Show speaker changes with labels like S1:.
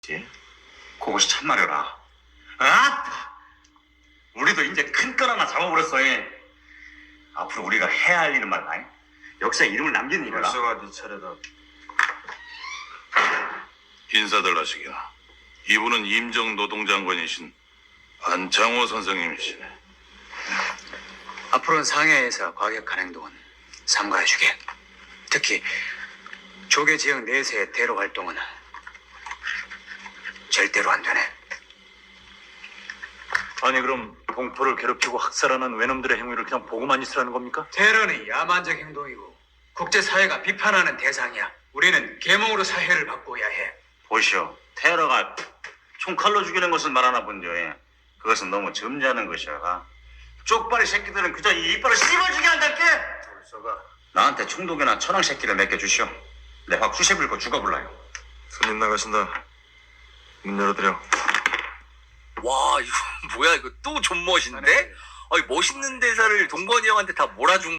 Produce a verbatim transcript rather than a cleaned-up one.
S1: 그것이 참말이라. 아? 우리도 이제 큰 건 하나 잡아버렸어. 이. 앞으로 우리가 해야 할 일은 말이야. 역사에 이름을 남기는 일이라.
S2: 벌써가 네 차례다.
S3: 인사들 하시기나. 이분은 임정 노동장관이신 안창호 선생님이시네.
S4: 앞으로는 상해에서 과격한 행동은 삼가해주게. 특히 조계 지역 내세의 테러 활동은 절대로 안 되네.
S5: 아니 그럼 동포를 괴롭히고 학살하는 외놈들의 행위를 그냥 보고만 있으라는 겁니까?
S4: 테러는 야만적 행동이고 국제사회가 비판하는 대상이야. 우리는 계몽으로 사회를 바꿔야 해.
S1: 보시오. 테러가 총칼로 죽이는 것을 말하나 본dio. 예. 그것은 너무 점잖은 것이야. 쪽발이 새끼들은 그저 이 이빨을 씹어주게 한달게.
S2: 벌써가
S1: 나한테 총독이나 천황 새끼를 맡겨주시오. 내 확 수세 불고 죽어볼라요.
S2: 손님 나가신다. 문 열어드려.
S6: 와, 이거 뭐야? 이거 또 존멋인데? 아니, 멋있는 대사를 동건이 형한테 다 몰아준